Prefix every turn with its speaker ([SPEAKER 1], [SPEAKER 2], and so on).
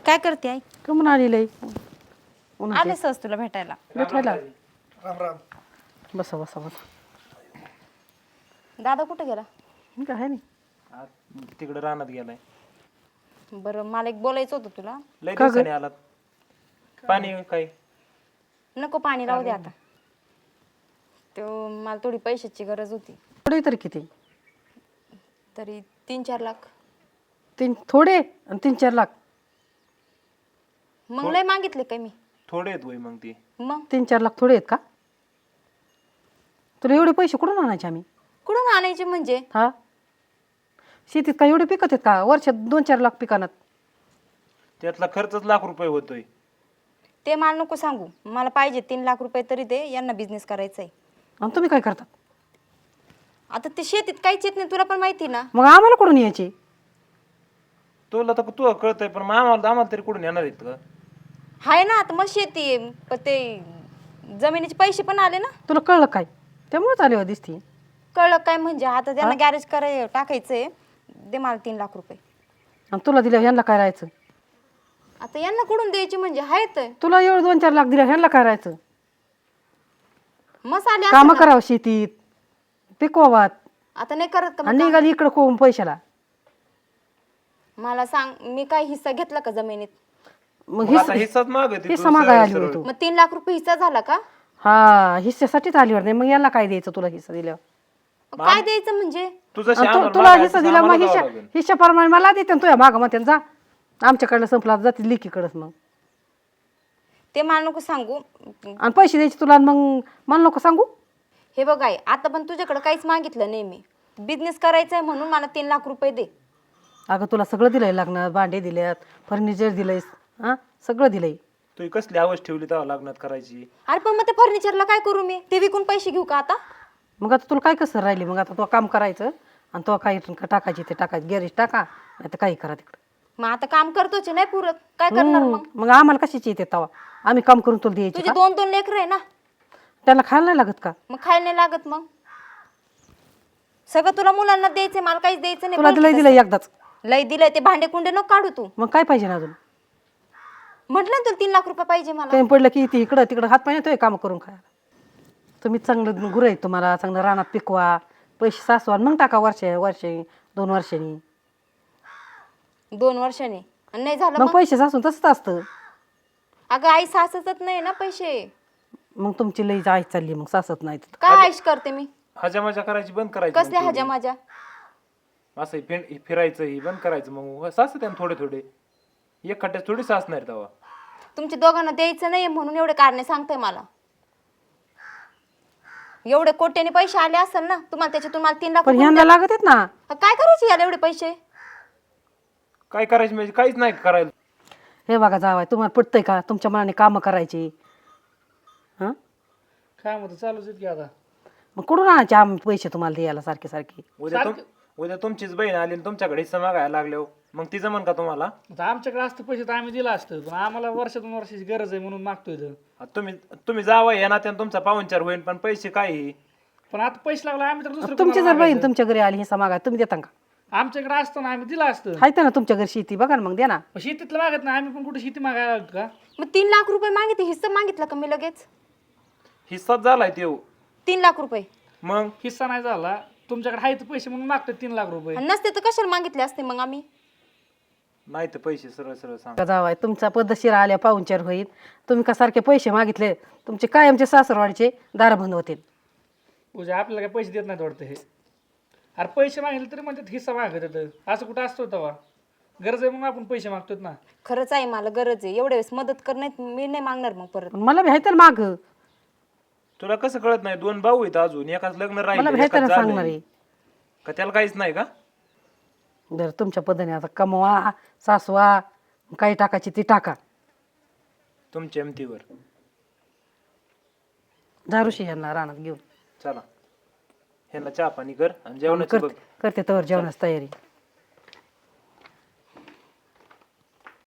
[SPEAKER 1] काय करते आई?
[SPEAKER 2] कमून आलेलं
[SPEAKER 1] आले सहज तुला भेटायला.
[SPEAKER 2] भेटायला
[SPEAKER 3] राम राम.
[SPEAKER 2] बसा बसा बसा.
[SPEAKER 1] दादा कुठे गेला?
[SPEAKER 2] काय आहे नाही
[SPEAKER 3] तिकडे रानात गेलाय.
[SPEAKER 1] बरं मला एक बोलायचं होतं तुला.
[SPEAKER 3] लय दिवसाने आलात. पाणी काय?
[SPEAKER 1] नको पाणी राहू दे आता. तो मला थोडी पैशाची गरज होती.
[SPEAKER 2] थोडे तरी किती?
[SPEAKER 1] तरी 3-4 लाख.
[SPEAKER 2] थोडे आणि 3-4 लाख.
[SPEAKER 1] मग लय मागितले काय मी?
[SPEAKER 3] थोडे आहेत वय मग ते.
[SPEAKER 1] मग
[SPEAKER 2] 3-4 लाख थोडे आहेत का? तुला एवढे पैसे कुठून आणायचे आम्ही?
[SPEAKER 1] कुठून आणायचे म्हणजे?
[SPEAKER 2] हा, शेतीत काय एवढे पिकत आहेत का? वर्षात 2-4 लाख पिकानात.
[SPEAKER 3] त्यातला खर्चच लाख रुपये होतोय.
[SPEAKER 1] ते मला नको सांगू. मला पाहिजे 3 लाख रुपये तरी दे. यांना बिझनेस करायचा आहे.
[SPEAKER 2] आणि तुम्ही काय करतात?
[SPEAKER 1] आता ते शेतीत काहीच येत नाही तुला पण माहिती ना.
[SPEAKER 2] मग आम्हाला कुठून यायचे?
[SPEAKER 3] तुला तर तू कळतंय पण मग आम्हाला तरी कुठून येणार आहेत का?
[SPEAKER 1] हाय ना आता मग शेती आहे. पण ते जमिनीचे पैसे पण आले ना.
[SPEAKER 2] तुला कळलं काय? त्यामुळेच आले हो दिसती.
[SPEAKER 1] कळलं काय म्हणजे? आता त्यांना गॅरेज टाकायचंय. दे मला 3 लाख रुपये.
[SPEAKER 2] आणि तुला दिल्या ह्यांना काय राहायचं?
[SPEAKER 1] आता यांना कुठून द्यायचे म्हणजे? आहेत
[SPEAKER 2] तुला एवढं 2-4 लाख दिल्या ह्यांना काय राहायचं?
[SPEAKER 1] मसाले
[SPEAKER 2] कामं करावं शेतीत, पिकवावात
[SPEAKER 1] आता नाही करत का मग
[SPEAKER 2] आणि निघाली इकडं कोण पैशाला.
[SPEAKER 1] मला सांग, मी काय हिस्सा घेतला का जमिनीत?
[SPEAKER 2] मग
[SPEAKER 3] आता हिस्साच मागत
[SPEAKER 2] हिस्सा मागाय आली होती तू.
[SPEAKER 1] मग 3 लाख रुपये हिस्सा झाला का?
[SPEAKER 2] हा, हिस्स्यासाठीच आली वाटते. मग यांना काय द्यायचं तुला हिस्सा दिल्यावर?
[SPEAKER 1] काय द्यायचं म्हणजे?
[SPEAKER 2] तुला हिस्सा दिला मग हिस्साप्रमाणे मला देते तुझ्या मागं मग जा. आमच्याकडलं संपला जातील लेकीकडंच. मग
[SPEAKER 1] ते मला नको सांगू.
[SPEAKER 2] आणि पैसे द्यायचे तुला आणि मग मला नको सांगू.
[SPEAKER 1] हे बघ आई, आता पण तुझ्याकडे काहीच मागितलं नाही मी. बिझनेस करायचा आहे म्हणून मला 3 लाख रुपये दे.
[SPEAKER 2] अगं तुला सगळं दिलंय, लग्नात भांडे दिल्यात, फर्निचर दिलंय, हा सगळं दिलंय.
[SPEAKER 3] तू कसली आवाज ठेवली तेव्हा लग्नात करायची?
[SPEAKER 1] अरे पण मग ते फर्निचरला काय करू मी? ते विकून पैसे घेऊ का आता?
[SPEAKER 2] मग आता तुला काय कसं राहिली? मग आता तो काम करायचं आणि तो काही टाकायची ते टाकायचं. गॅरेज टाका नाही तर काही करा तिकडं.
[SPEAKER 1] मग आता काम करतोच नाही पुरत, काय करणार मग?
[SPEAKER 2] मग आम्हाला कशाची येते तवा? आम्ही काम करून तुला द्यायची
[SPEAKER 1] तुझे
[SPEAKER 2] का?
[SPEAKER 1] 2-2 लेकरं आहे ना.
[SPEAKER 2] त्यांना खायला नाही लागत का?
[SPEAKER 1] मग खायला नाही लागत. मग सगळं तुला मुलांना द्यायचंय, मला काहीच द्यायचं नाही.
[SPEAKER 2] तुला दिलंय दिलंय एकदाच.
[SPEAKER 1] लय दिलंय. ते भांडे कुंडे नको काढू तू.
[SPEAKER 2] मग काय पाहिजे ना अजून?
[SPEAKER 1] म्हटलं ना तुला 3 लाख रुपये पाहिजे मला.
[SPEAKER 2] काही पडलं की इकडं तिकडं हात पाय येतोय काम करून खायला. तुम्ही चांगलं गुरं आहे, तुम्हाला चांगलं रानात पिकवा, पैसे सासवा मग टाका. वर्षे 2 वर्षांनी
[SPEAKER 1] 2 वर्षांनी आणि नाही झालं
[SPEAKER 2] मग पैसे सासून तसंच असतं.
[SPEAKER 1] अगं आई सासतच नाही ना पैसे.
[SPEAKER 2] मग तुमची लई आई चालली मग सासत नाही.
[SPEAKER 1] काय आईश करते मी?
[SPEAKER 3] हजामजा करायची बंद करायची.
[SPEAKER 1] कसल्या हजा माझ्या?
[SPEAKER 3] असं फिरायचं ही बंद करायचं. मग सास त्यानं थोडे थोडे एक खड्ड्यात थोडी सासणार तेव्हा.
[SPEAKER 1] तुमच्या दोघांना द्यायचं नाही म्हणून एवढे कारणे सांगताय मला. एवढे कोट्याने पैसे आले असेल ना तुम्हाला, त्याच्यातून मला 3 लाख
[SPEAKER 2] पण ह्यांना लागत आहेत ना.
[SPEAKER 1] काय करायचे याला एवढे पैसे?
[SPEAKER 3] काय करायचं म्हणजे काहीच नाही करायला.
[SPEAKER 2] हे बघा जावाय, तुम्हाला पटतंय का तुमच्या मनाने कामं करायची? हा,
[SPEAKER 4] काय म्हणतो चालूच आहेत की आता.
[SPEAKER 2] मग कुठून आणायचे आम्ही पैसे तुम्हाला द्यायला सारखे सारखे?
[SPEAKER 3] उद्या तुमचीच बहीण आली आणि तुमच्याकडे हिस्सा मागायला लागले मग ती जमन का तुम्हाला?
[SPEAKER 4] आता आमच्याकडे असतं पैसे तर आम्ही दिला असतं, पण आम्हाला वर्षातून वर्षाची गरज आहे म्हणून मागतोय तर.
[SPEAKER 3] तुम्ही जावा या नात्यानं तुमचा पाहुणचार होईल पण पैसे काय?
[SPEAKER 4] पण आता पैसे लागला आम्ही तर दुसरं
[SPEAKER 2] तुमची
[SPEAKER 4] कोणाला
[SPEAKER 2] जर बहीण
[SPEAKER 4] मागायचं?
[SPEAKER 2] तुमच्या घरी आली हिस्सा मागा, तुम्ही देता का?
[SPEAKER 4] आमच्याकडे असतं ना आम्ही दिला असतं.
[SPEAKER 2] हायत ना तुमच्या घरी शेती, बघा ना मग द्या ना.
[SPEAKER 4] पण शेतीतलं मागत नाही आम्ही, पण कुठे शेती मागायला लागलो का?
[SPEAKER 1] मग 3 लाख रुपये मागितले, हिस्सा मागितला का मी लगेच?
[SPEAKER 3] हिस्साच झालाय ते.
[SPEAKER 1] 3 लाख रुपये
[SPEAKER 3] मग
[SPEAKER 4] हिस्सा नाही झाला, तुमच्याकडे आहेत पैसे म्हणून मागतोय 3 लाख रुपये.
[SPEAKER 1] आणि नसते तर कशाला मागितले असते मग आम्ही?
[SPEAKER 3] नाही तर पैसे सरळ सरळ सांग.
[SPEAKER 2] जावाय तुमचा पद्धतशीर आल्या पाहुणचार होईल. तुम्ही का सारखे पैसे मागितले, तुमचे कायमचे सासरवाडीचे दार बंद होतील.
[SPEAKER 4] उद्या आपल्याला काय पैसे देत नाहीत वाटतं हे. अरे पैसे मागितले तरी म्हणतात हिस्सा मागत येतं. असं कुठं असतो तेव्हा? गरज आहे म्हणून आपण पैसे मागतोत ना.
[SPEAKER 1] खरंच आहे मला गरज आहे. एवढ्या वेळेस मदत करण्यात मी नाही मागणार मग परत.
[SPEAKER 2] मला भेटायला माग,
[SPEAKER 3] तुला कसं कळत नाही? 2 भाऊ आहेत अजून, एकाच लग्न
[SPEAKER 2] मला
[SPEAKER 3] राहिलं
[SPEAKER 2] भेटायला
[SPEAKER 3] एकाच
[SPEAKER 2] सांगणार
[SPEAKER 3] झालंय.
[SPEAKER 2] आहे.
[SPEAKER 3] का त्याला काहीच नाही का?
[SPEAKER 2] जर तुमच्या पद्धतीने आता कमवा, सासवा, काही टाकायची ती टाका.
[SPEAKER 3] तुमच्या एमतीवर
[SPEAKER 2] दारूशी यांना रानात घेऊन
[SPEAKER 3] चला. ह्यांना चहा पाणी कर आणि जेवणाची बघ.
[SPEAKER 2] करते तर जेवणाची तयारी.